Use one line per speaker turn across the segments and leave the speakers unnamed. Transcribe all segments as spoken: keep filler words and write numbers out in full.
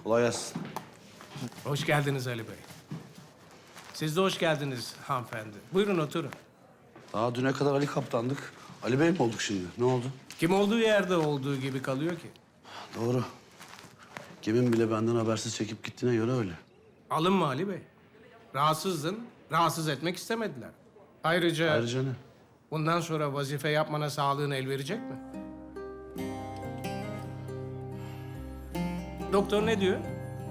Kolay gelsin.
Hoş geldiniz Ali Bey. Siz de hoş geldiniz hanımefendi. Buyurun oturun.
Daha düne kadar Ali Kaptan'dık. Ali Bey mi olduk şimdi? Ne oldu?
Kim olduğu yerde olduğu gibi kalıyor ki.
Doğru. Kimin bile benden habersiz çekip gittiğine göre öyle.
Alınma Ali Bey. Rahatsızdın, rahatsız etmek istemediler. Ayrıca,
Ayrıca ne?
bundan sonra vazife yapmana sağlığın el verecek mi? Doktor ne diyor?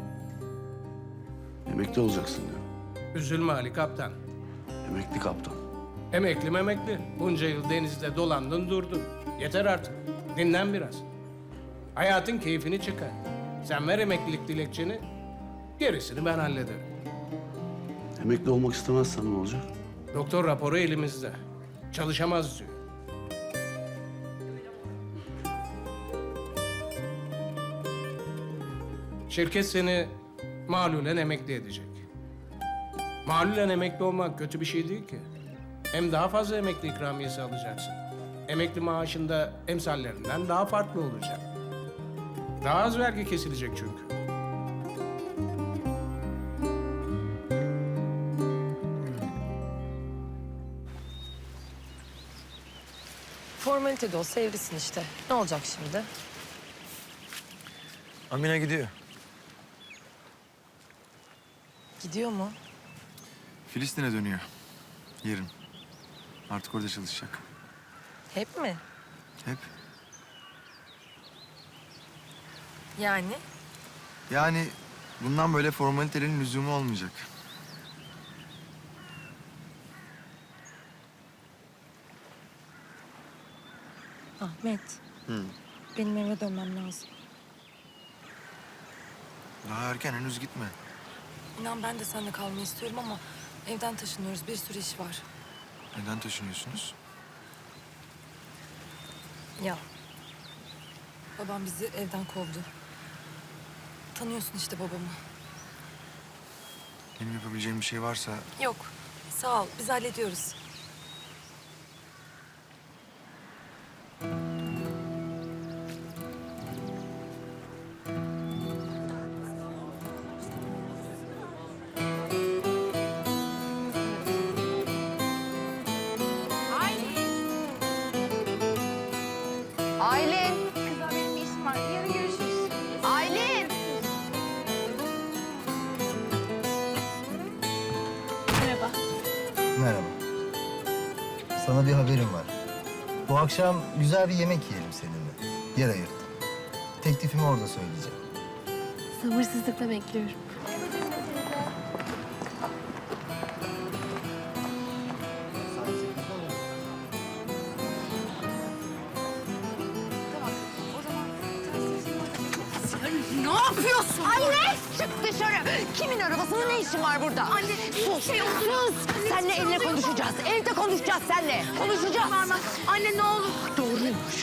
Emekli olacaksın diyor.
Üzülme Ali Kaptan.
Emekli kaptan.
Emekli memekli. Bunca yıl denizde dolandın durdun. Yeter artık. Dinlen biraz. Hayatın keyfini çıkar. Sen ver emeklilik dilekçeni, gerisini ben hallederim.
Emekli olmak istemezsen ne olacak?
Doktor raporu elimizde. Çalışamaz diyor. Şirket seni malulen emekli edecek. Malulen emekli olmak kötü bir şey değil ki. Hem daha fazla emekli ikramiyesi alacaksın. Emekli maaşında emsallerinden daha farklı olacak. Daha az vergi kesilecek çünkü.
Formalite de olsa evlisin işte. Ne olacak şimdi?
Amine gidiyor.
Gidiyor mu?
Filistin'e dönüyor. Yarın. Artık orada çalışacak.
Hep mi?
Hep.
Yani?
Yani bundan böyle formalitelerin lüzumu olmayacak.
Ahmet.
Hı.
Benim eve dönmem lazım.
Daha erken, henüz gitme.
İnan ben de seninle kalmayı istiyorum ama evden taşınıyoruz. Bir sürü iş var.
Neden taşınıyorsunuz?
Ya. Babam bizi evden kovdu. Tanıyorsun işte babamı.
Benim yapabileceğim bir şey varsa
Yok. Sağ ol. Biz hallediyoruz.
Aylin. Kızlar benim bir işim var. Yarın görüşürüz. Aylin. Merhaba.
Merhaba. Sana bir haberim var. Bu akşam güzel bir yemek yiyelim seninle. Yer ayırdım. Teklifimi orada söyleyeceğim.
Sabırsızlıkla bekliyorum. Ne yapıyorsun? Anne! Çık dışarı! Kimin arabasının ne işin var burada? Anne, sus! Şey sus! Seninle eline konuşacağız. Evde konuşacağız seninle. Konuşacağız. Anne ne olur. Doğruymuş.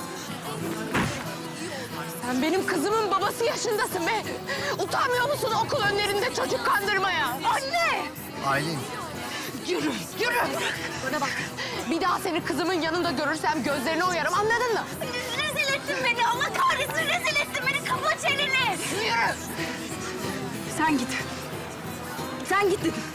Sen benim kızımın babası yaşındasın be. Utanmıyor musun okul önlerinde çocuk kandırmaya? Anne!
Aylin.
Yürü, yürü! Bana bak, bir daha seni kızımın yanında görürsem gözlerine oyarım, anladın mı? Rezil ettin beni, Allah kahretsin, rezil ettin beni, kapa çeneni! Yürü! Sen git. Sen git dedim.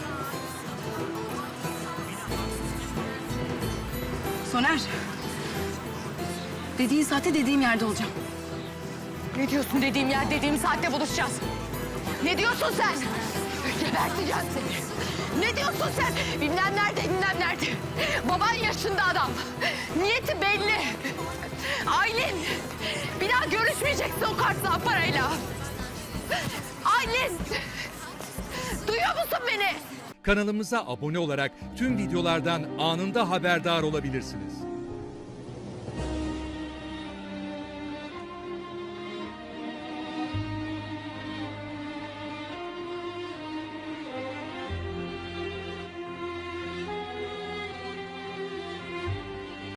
Soner. Dediğin saatte dediğim yerde olacağım.
Ne diyorsun dediğim yer, dediğim saatte buluşacağız? Ne diyorsun sen? Geberteceğim seni. Ne diyorsun sen? Bilmem nerede, bilmem nerede. Baban yaşında adam. Niyeti belli. Aylin, bir daha görüşmeyeceksin o kartla parayla. Aylin, duyuyor musun beni?
Kanalımıza abone olarak tüm videolardan anında haberdar olabilirsiniz.